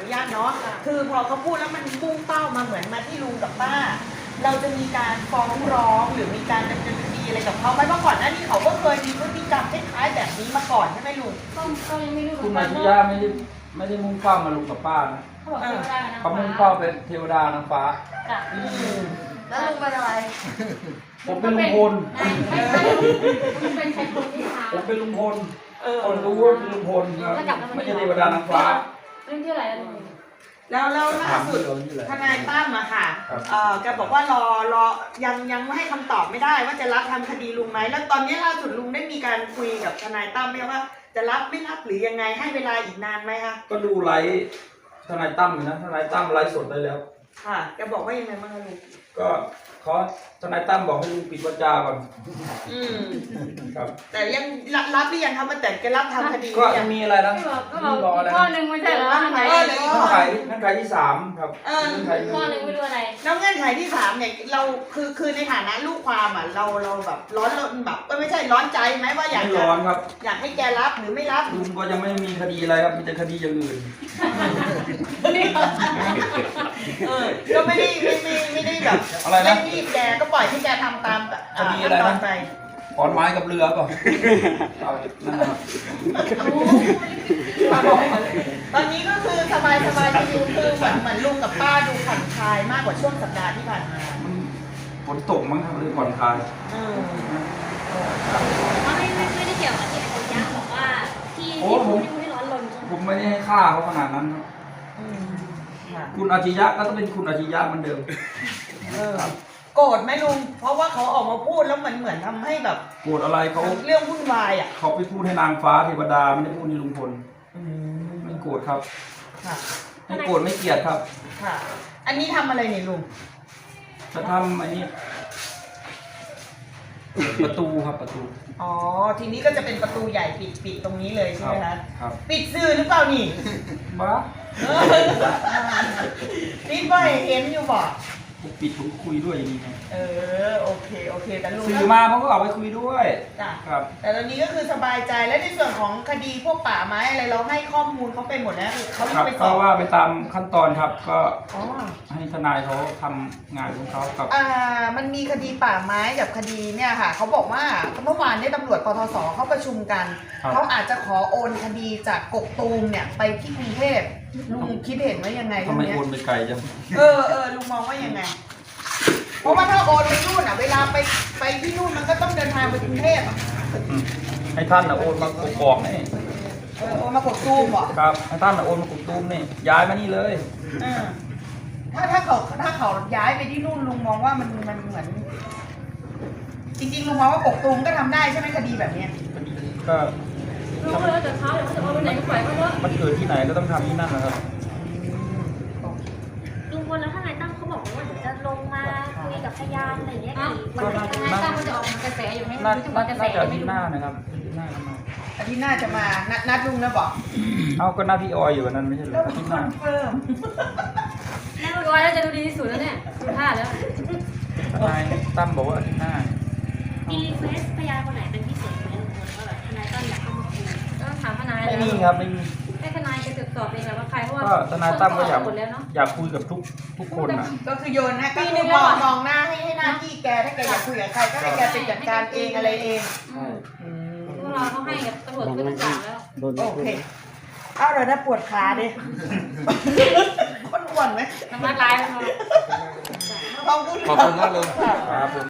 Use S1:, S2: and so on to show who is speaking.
S1: ญาตเนาะคือพอเขาพูดแล้วมันมุ่งเป้ามาเหมือนมาที่ลุงกับป้าเราจะมีการฟ้องร้องหรือมีการดำเนินคดีอะไรกับเขาไหมเพราะก่อนหน้านี้เขาก็เคยมีพฤติกรรมคล้ายๆแบบนี้มาก่อนใช่ไหมลุง
S2: ก็ยังไม่รู้
S3: คุณอาชิยะไม่ได้มุ่งเป้ามาลุงกับป้านะ
S2: เขาบอกเทวดานะ
S3: เขามุ่งเป้าเป็นเทวดานางฟ้า
S1: แล้วลุงเป็นอะไร
S3: ผมเป็นลุงพล
S2: ไม่เป็นใครคนที่หา
S3: ผมเป็นลุงพลคนรู้ว่าเป็นลุงพลครับไม่ใช่เทวดานางฟ้า
S2: เรื่องที่อะไรลุง
S1: แล้วล่าสุดทนายตั้มอะค่ะแกบอกว่ารอยังไม่ให้คำตอบไม่ได้ว่าจะรับทำคดีลุงไหมแล้วตอนนี้ล่าสุดลุงได้มีการคุยกับทนายตั้มไหมว่าจะรับไม่รับหรือยังไงให้เวลาอีกนานไหมคะ
S3: ก็ดูไลฟ์ทนายตั้มอยู่นะทนายตั้มไลฟ์สดได้แล้ว
S1: ค่ะแกบอกว่ายังไงบ้างคะลุง
S3: ก็ทนายตั้มบอกให้ลุงปิดวาจาก่อนครับ
S1: แต่ยังรับหรือยังครับมันแต่แกรับทำคดี
S3: ก็ยังมีอะไรนะ
S2: ก็รออะไรข้อหนึ่งไม่ใช่เหรอ
S1: เงื่
S3: อนไขที่3ครับ
S2: ข้อหนึ่งไม่รู้อะไร
S1: แล้วเงื่อนไขที่3เนี่ยเราคือในฐานะลูกความอ่ะเราแบบร้อนแบบไม่ใช่ร้อนใจไหมว่าอยาก
S3: ไม่ร้อนครับ
S1: อยากให้แกรับหรือไม่รับ
S3: ลุงก็ยังไม่มีคดีอะไรครับมีแต่คดีอย่างอื่น
S1: ก็ไม่ได้แบบ
S3: อะไรนะ
S1: ไม่รีบแกก็ปล่อยให้แกทำตาม
S3: คดีอะไรนะขอนไม้กับเรือก่อน
S1: ตอนนี้ก็คือสบายชิวๆคือเหมือนลุงกับป้าดูผ่อนคลายมากกว่าช่วงสัปดาห์ที่ผ่านมา
S3: ฝนตกมั้งครับเลยผ่อนคลาย
S2: ไม่ได้เกี่ยวกับที่อาจารย์บอกว่าที่ไม่ร้อนรน
S3: ผมไม่ได้ให้ค่าเขาขนาดนั้นครับคุณอาชิยะก็ต้องเป็นคุณอาชิยะเหมือนเดิม
S1: โกรธไหมลุงเพราะว่าเขาออกมาพูดแล้วเหมือนทำให้แบบ
S3: โกรธอะไรเขา
S1: เรื่องวุ่นวายอ่ะ
S3: เขาไปพูดให้นางฟ้าเทวดาไม่ได้พูดให้ลุงพลไม่โกรธครับไม่โกรธไม่เกลียดครับ
S1: ค่ะอันนี้ทำอะไรเนี่ยลุง
S3: จะทำอันนี้ประตูครับประตู
S1: อ๋อทีนี้ก็จะเป็นประตูใหญ่ปิดตรงนี้เลยใช่ไหมคะ
S3: ครับ
S1: ปิดสื่อหรือเปล่านี่
S3: บ้า
S1: นี่บ่เห็นอยู่บ่
S3: ปิดผมคุยด้วยอย่างนี้ครับ
S1: โอเคแต่ลุง
S3: สื่อมาเขาก็เอาไปคุยด้วยครับ
S1: แต่ตอนนี้ก็คือสบายใจและในส่วนของคดีพวกป่าไม้อะไรเราให้ข้อมูลเขาไปหมดแล้วเขาไปสอบ
S3: ว่าไปตามขั้นตอนครับก็ให้ทนายเขาทำงานของเขาครับ
S1: มันมีคดีป่าไม้กับคดีเนี่ยค่ะเขาบอกว่าเมื่อวานนี้ตำรวจปทศเขาประชุมกันเขาอาจจะขอโอนคดีจากกกตูมเนี่ยไปที่กรุงเทพลุงคิดเห็นว่ายังไง
S3: ทำไมโอนไปไกลจัง
S1: ลุงมองว่ายังไงเพราะว่าถ้าโอนไปนู่นเวลาไปที่นู่นมันก็ต้องเดินทางไปกรุงเทพ
S3: ให้ท่านโอนมากกอกนี่
S1: โอนมากกตูมเหรอ
S3: ครับให้ท่านโอนมากกตูมนี่ย้ายมานี่เลย
S1: ถ้าเขาย้ายไปที่นู่นลุงมองว่ามันเหมือนจริงๆลุงมองว่ากกตูมก็ทำได้ใช่ไหมคดีแบบนี้
S3: ก็
S2: ลุงเลยแต่เขาเดี๋ยวเขาจะเอาไปไหนก็ปล่อยเขาเถอะ
S3: มันเกิดที่ไหนก็ต้องทำที่นั่นนะครับ
S2: ลุงพลแล้วทนายตั้มเขาบอกว่าเดี๋ยวจะลงมาคุยกับพยานอะไรอย่างเงี้ยทนายตั้มมันจะออกกระแสอยู่ให้รู้ถึงกระแส
S3: อาทิตย์หน้านะครับ
S1: อาทิตย์หน้าจะมานัดลุงนะบอก
S3: เอาก็หน้าพี่ออยอยู่วันนั้นไม่ใช่เหรออาทิตย์หน้า
S1: เพิ่ม
S2: แน่นอนแล้วจะดูดีที่สุดแล้วเนี่ยดูท่าแล้ว
S3: ทนายตั้มบอกว่าอาทิตย์หน้า
S2: มีรีเควสพยานคนไหนเป็นพิเศษไหมลุงพลว่าแบบทนายตั้มอยากเข้ามาคุยต้องถามทนาย
S3: ไม่มีครับไม่มี
S2: ให้ทนายไปตรวจสอบเองว่าใครเพราะว่า
S3: ทนายตั้มก็อยากคุยกับทุกคนนะ
S1: ก็คือโยนนะก็คือมองหน้าให้หน้าที่แกถ้าแกอยากคุยกับใครก็ให้แกเป็นจัดการเองอะไรเอง
S2: พวกเราเขาให้กับตำรวจขึ้นศาลแล้ว
S1: โอเคเอาเลยนะปวดขาดิคนอ้วนไหม
S2: น้ำมันลาย
S1: ขอบคุณ
S3: มากเลยครับ